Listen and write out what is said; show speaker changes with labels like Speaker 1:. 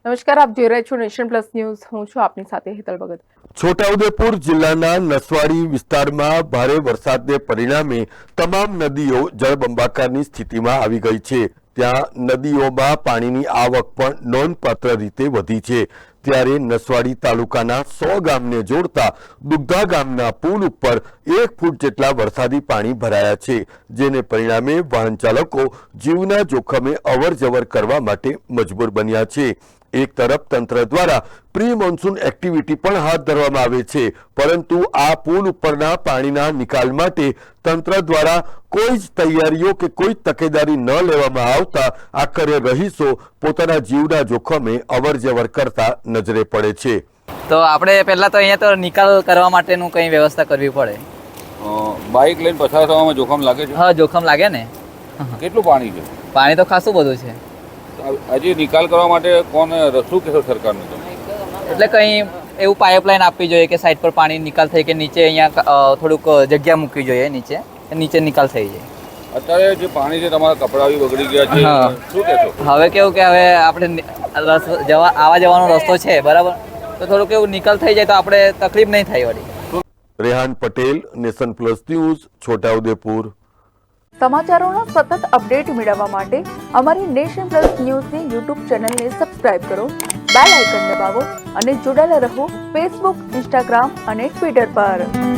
Speaker 1: નમસ્કાર, આપ જોઈ રહ્યા છો નેશન પ્લસ ન્યૂઝ. હું છું આપની સાથે હેતલ ભગત.
Speaker 2: છોટાઉદેપુર જિલ્લાના નસવાડી વિસ્તારમાં ભારે વરસાદને પરિણામે તમામ નદીઓ જળબંબાકારની સ્થિતિમાં આવી ગઈ છે. ત્યાં નદીઓમાં પાણીની આવક પણ નોંધપાત્ર રીતે વધી છે. ત્યારે નસવાડી તાલુકાના 100 ગામને જોડતા દુગ્ધા ગામના પુલ ઉપર 1 ફૂટ જેટલા વરસાદી પાણી ભરાયા છે, જેને પરિણામે વાહન ચાલકો જીવના જોખમે અવરજવર કરવા માટે મજબૂર બન્યા છે. એક તરફ તંત્ર દ્વારા પ્રી મોન્સૂન એક્ટિવિટી પણ હાથ ધરવામાં આવે છે, પરંતુ આ પુલ ઉપરના પાણીના નિકાલ માટે તંત્ર દ્વારા કોઈ જ તૈયારીઓ કે કોઈ તકેદારી ન લેવામાં આવતા આખરે રહીશો પોતાના જીવના જોખમે અવરજવર કરતા નજરે પડે છે.
Speaker 3: તો આપણે પહેલા તો અહીંયા તો નિકાલ કરવા માટેનું કંઈ વ્યવસ્થા કરવી પડે.
Speaker 4: બાઇક લઈને પસાર થવામાં જોખમ લાગે છે?
Speaker 3: હા, જોખમ લાગે ને.
Speaker 4: કેટલું પાણી છે?
Speaker 3: પાણી તો ખાસું બધું છે.
Speaker 4: હજી નિકાલ કરવા માટે કોણ રસ્તું કહેશો સરકારને?
Speaker 3: એટલે કંઈ એવું પાઇપલાઇન આપવી જોઈએ કે સાઈડ પર પાણી નિકાલ થઈ કે નીચે અહીંયા થોડુંક જગ્યા મૂકવી જોઈએ, નીચે નિકાલ થઈ જાય.
Speaker 4: અત્યારે જે પાણી છે તમારા કપડાં બી બગડી ગયા છે, શું કહેશો?
Speaker 3: હવે કેવું કે હવે આપણે આવા જવાનો રસ્તો છે બરાબર, તો થોડુંક એવું નિકાલ થઈ જાય તો આપણે તકલીફ નહીં થાય વળી.
Speaker 2: Rehan Patel, nation plus news, Chhotaudepur.
Speaker 1: સમાચારોના સતત અપડેટ મેળવવા માટે અમારી નેશન પ્લસ ન્યૂઝની યુટ્યુબ ચેનલને સબસ્ક્રાઇબ કરો, બેલ આઇકન દબાવો અને જોડાયેલા રહો ફેસબુક, ઇન્સ્ટાગ્રામ અને ટ્વિટર પર.